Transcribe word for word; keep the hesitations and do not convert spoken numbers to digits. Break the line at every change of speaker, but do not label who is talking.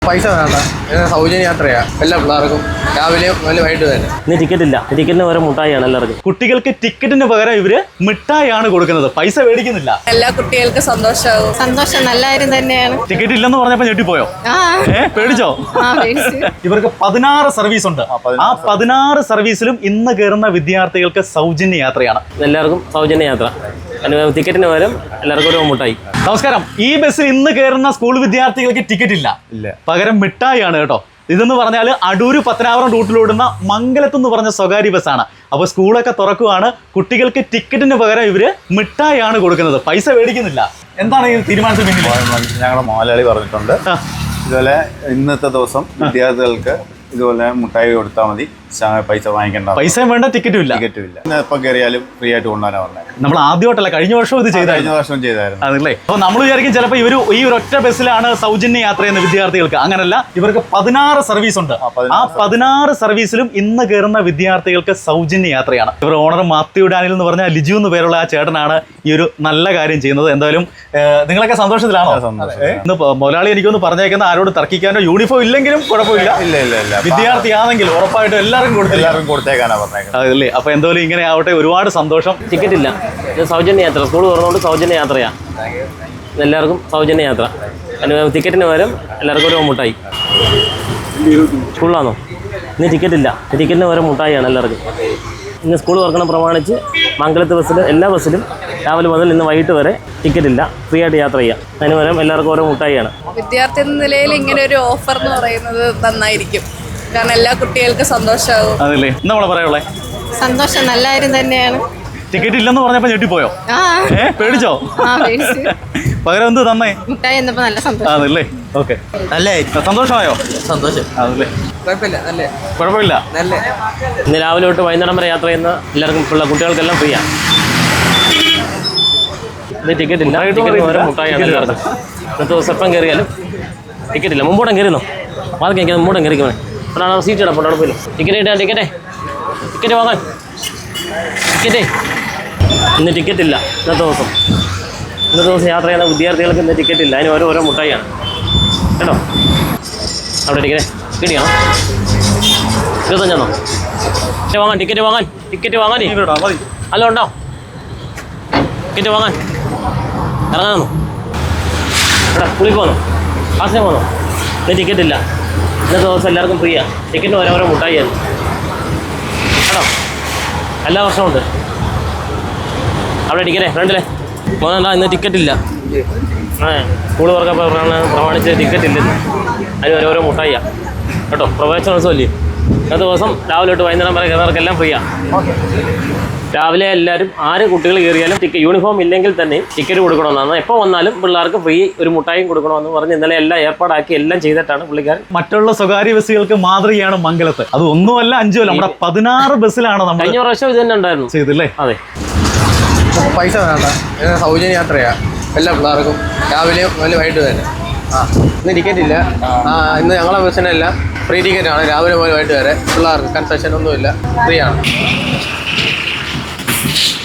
പൈസ വേണ്ട, സൗജന്യ യാത്രയാ എല്ലാ പിള്ളേർക്കും, രാവിലെ മുതൽ വൈകിട്ട് തന്നെ.
ഇന്ന് ടിക്കറ്റ് ഇല്ല, ടിക്കറ്റിന് പകരം മുട്ടായിയാണ് എല്ലാവർക്കും.
കുട്ടികൾക്ക് ടിക്കറ്റിന് പകരം ഇവര് മിഠായിയാണ് കൊടുക്കുന്നത്, പൈസ മേടിക്കുന്നില്ല.
എല്ലാ കുട്ടികൾക്കും സന്തോഷമാവും.
സന്തോഷം, നല്ല കാര്യം തന്നെയാണ്.
ടിക്കറ്റ് ഇല്ലെന്ന് പറഞ്ഞപ്പോ ഞെട്ടിപ്പോയോ? ഏ പേടിച്ചോ? ഇവർക്ക് പതിനാറ് സർവീസ് ഉണ്ട്. ആ പതിനാറ് സർവീസിലും ഇന്ന് കയറുന്ന വിദ്യാർത്ഥികൾക്ക് സൗജന്യ യാത്രയാണ്.
എല്ലാവർക്കും സൗജന്യ യാത്ര, ടിക്കറ്റിന് പകരം എല്ലാവർക്കും ഒരു മുട്ടായി.
നമസ്കാരം. ഈ ബസ്സിൽ ഇന്ന് കയറുന്ന സ്കൂൾ വിദ്യാർത്ഥികൾക്ക് ടിക്കറ്റ് ഇല്ല, പകരം മിഠായിയാണ് കേട്ടോ. ഇതെന്ന് പറഞ്ഞാൽ അടൂര് പത്തനാപുരം റൂട്ടിലോടുന്ന മംഗലത്ത് എന്ന് പറഞ്ഞ സ്വകാര്യ ബസ്സാണ്. അപ്പോൾ സ്കൂളൊക്കെ തുറക്കുവാണ്, കുട്ടികൾക്ക് ടിക്കറ്റിന് പകരം ഇവര് മിഠായിയാണ് കൊടുക്കുന്നത്, പൈസ മേടിക്കുന്നില്ല. എന്താണ് ഈ തീരുമാനത്തിന് പിന്നിൽ?
ഞങ്ങളുടെ മോഹൻലാലി പറഞ്ഞിട്ടുണ്ട്, ഇതുപോലെ ഇന്നത്തെ ദിവസം വിദ്യാർത്ഥികൾക്ക് ഇതുപോലെ മുട്ടായി കൊടുത്താൽ മതി, പൈസ വാങ്ങിക്കേണ്ട,
പൈസ വേണ്ട, ടിക്കറ്റും ഇല്ല.
ടിക്കറ്റും ഇല്ല. എപ്പം കയറിയാലും ഫ്രീ ആയിട്ട് കൊണ്ടുപോകാനാണ് പറഞ്ഞത്.
നമ്മൾ ആദ്യമായിട്ടല്ല, കഴിഞ്ഞ വർഷം ഇത് ചെയ്ത
കഴിഞ്ഞ വർഷം ചെയ്തായിരുന്നു
അതല്ലേ. അപ്പോൾ നമ്മൾ വിചാരിക്കും ചിലപ്പോൾ ഇവർ ഈ ഒരു ഒറ്റ ബസ്സിലാണ് സൗജന്യ യാത്ര ചെയ്യുന്ന വിദ്യാർത്ഥികൾക്ക്. അങ്ങനല്ല, ഇവർക്ക് പതിനാറ് സർവീസ് ഉണ്ട്. ആ പതിനാറ് സർവീസിലും ഇന്ന് കയറുന്ന വിദ്യാർത്ഥികൾക്ക് സൗജന്യ യാത്രയാണ്. ഇവർ ഓണർ മാത്യു ഡാനിൽ എന്ന് പറഞ്ഞ ലിജു എന്ന് പേരുള്ള ആ ചേട്ടനാണ് ഈ ഒരു നല്ല കാര്യം ചെയ്യുന്നത്. എന്തായാലും നിങ്ങളൊക്കെ സന്തോഷത്തിലാണോ? ഇന്ന് മുതലാളി എനിക്കൊന്ന് പറഞ്ഞേക്കുന്ന ആരോട് തർക്കിക്കാനോ, യൂണിഫോം ഇല്ലെങ്കിലും കുഴപ്പമില്ല,
ഇല്ല ഇല്ല ഇല്ല
വിദ്യാർത്ഥിയാണെങ്കിൽ ഉറപ്പായിട്ടും എല്ലാവർക്കും
എല്ലാവർക്കും കൊടുത്തേക്കാനാ പറഞ്ഞേക്കുന്നത്.
അതല്ലേ. അപ്പൊ എന്തായാലും ഇങ്ങനെ ആവട്ടെ, ഒരുപാട് സന്തോഷം.
ടിക്കറ്റ് ഇല്ല, ഇത് സൗജന്യ യാത്ര, സ്കൂൾ തുറന്നുകൊണ്ട് സൗജന്യ യാത്രയാണ്. എല്ലാവർക്കും സൗജന്യ യാത്ര, ടിക്കറ്റിന് പകരം എല്ലാവർക്കും ഒരു മുട്ടായി. സ്കൂളിലാണോ? ഇന്ന് ടിക്കറ്റ് ഇല്ല, ടിക്കറ്റിന് പകരം മുട്ടായിയാണ് എല്ലാവർക്കും. ഇന്ന് സ്കൂൾ തുറക്കണം പ്രമാണിച്ച് മംഗലത്ത് ബസ്സിൽ എല്ലാ ബസ്സിലും രാവിലെ മുതൽ ഇന്ന് വൈകിട്ട് വരെ ടിക്കറ്റ് ഇല്ല, ഫ്രീ ആയിട്ട് യാത്ര ചെയ്യാം. അതിന് പകരം എല്ലാവർക്കും ഓരോ മുട്ടായിയാണ്.
വിദ്യാർത്ഥി എന്ന നിലയിൽ ഇങ്ങനെ ഒരു ഓഫർ എന്ന് പറയുന്നത് നന്നായിരിക്കും, കാരണം എല്ലാ കുട്ടികൾക്കും സന്തോഷമാവും.
അതല്ലേ നമ്മളെ പറയുള്ളേ.
സന്തോഷം, നല്ല കാര്യം തന്നെയാണ്.
ടിക്കറ്റ് ഇല്ലെന്ന് പറഞ്ഞപ്പോ ഞെട്ടിപ്പോയോ? ഏ പേടിച്ചോ? പകരം എന്ത് തന്നേ?
മുട്ടായി എന്നപ്പോ നല്ല സന്തോഷം.
അതല്ലേ. ഓക്കെ, അല്ലേ, സന്തോഷമായോ?
സന്തോഷം.
അതല്ലേ,
കുഴപ്പമില്ല, നല്ല
കുഴപ്പമില്ല.
നല്ല
ഇന്ന് രാവിലെ തൊട്ട് വൈകുന്നേരം വരെ യാത്ര ചെയ്യുന്ന എല്ലാവർക്കും പിള്ള കുട്ടികൾക്കെല്ലാം ഫ്രീയാണ്. ഇത് ടിക്കറ്റ് ഇല്ല, ടിക്കറ്റ് പകരം മുട്ടായിയാണ് എല്ലാവർക്കും. ഇന്നത്തെ ദിവസം എപ്പം കയറിയാലും ടിക്കറ്റ് ഇല്ല. മുമ്പോട്ടും കയറിയെന്നോ? വാദം കഴിക്കാൻ മുമ്പോട്ടും കയറിക്കണേ. അപ്പോഴാണ് സീറ്റ് ഇടാം, അവിടെ പോയില്ല. ടിക്കറ്റ് കിട്ടാൻ ടിക്കറ്റേ ടിക്കറ്റ് വാങ്ങാൻ ടിക്കറ്റേ. ഇന്ന് ടിക്കറ്റ് ഇല്ല ഇന്നത്തെ ദിവസം. ഇന്നത്തെ ദിവസം യാത്ര ചെയ്യുന്ന വിദ്യാർത്ഥികൾക്ക് ഇന്ന് ടിക്കറ്റ് ഇല്ല, അതിന് ഓരോ ഓരോ മുട്ടായിയാണ് കേട്ടോ. അവിടെ ടിക്കറ്റേ കിട്ടിയാണോ? ഇരുപത്തഞ്ചാണോ? ടിക്കറ്റ് വാങ്ങാൻ ടിക്കറ്റ് വാങ്ങാൻ ടിക്കറ്റ് വാങ്ങാൻ അല്ല ഉണ്ടോ? ടിക്കറ്റ് വാങ്ങാൻ ഇറങ്ങാനോ? എടാ സ്കൂളിൽ പോകണോ? ക്ലാസ്സിന് പോകണോ? ഇന്ന് ടിക്കറ്റ് ഇല്ല, ഇന്നത്തെ ദിവസം എല്ലാവർക്കും ഫ്രീയാണ്. ടിക്കറ്റിന് ഓരോ ഓരോ മുട്ടായിയാണ് കേട്ടോ. എല്ലാ വർഷവും ഉണ്ട്. അവിടെ ടിക്കറ്റേ ഫ്രണ്ടിലെ മോനെന്താ ഇന്ന് ടിക്കറ്റ് ഇല്ല? ആ സ്കൂൾ തുറക്കപ്പോൾ പ്രമാണിച്ച് ടിക്കറ്റ് ഇല്ലെന്ന്, അതിന് ഓരോരോ മുട്ടായിയാണ് കേട്ടോ. പ്രവേശനോത്സവം ഇല്ലേ ഇന്നത്തെ ദിവസം രാവിലെ തൊട്ട് വൈകുന്നേരം വരെ കയറുന്നവർക്കെല്ലാം ഫ്രീയാണ്. രാവിലെ എല്ലാവരും ആര് കുട്ടികൾ കയറിയാലും ടിക്കറ്റ് യൂണിഫോം ഇല്ലെങ്കിൽ തന്നെ ടിക്കറ്റ് കൊടുക്കണമെന്നാണ്. എപ്പോൾ വന്നാലും പിള്ളേർക്ക് ഫ്രീ ഒരു മുട്ടായും കൊടുക്കണമെന്ന് പറഞ്ഞ് ഇന്നലെ എല്ലാം ഏർപ്പാടാക്കി എല്ലാം ചെയ്തിട്ടാണ് പുള്ളിക്കാരൻ.
മറ്റുള്ള സ്വകാര്യ ബസ്സുകൾക്ക് മാതൃകയാണ് മംഗലത്ത്. അത് ഒന്നുമല്ല അഞ്ചുമല്ല, നമ്മുടെ പതിനാറ് ബസ്സിലാണ് നമ്മൾ.
കഴിഞ്ഞ പ്രാവശ്യം ഇത് തന്നെ ഉണ്ടായിരുന്നു
ചെയ്തല്ലേ?
അതെ.
പൈസ വേണ്ട, സൗജന്യ യാത്രയാ എല്ലാ പിള്ളേർക്കും, രാവിലെ മുതൽ വൈകിട്ട് തന്നെ. ആ ഇന്ന് ടിക്കറ്റ് ഇല്ല. ആ ഇന്ന് ഞങ്ങളെ ബസ്സിനല്ല, ഫ്രീ ടിക്കറ്റാണ്, രാവിലെ മുതൽ വൈകിട്ട് വരെ. പിള്ളേർക്ക് കൺസെഷൻ ഒന്നുമില്ല, ഫ്രീ ആണ്.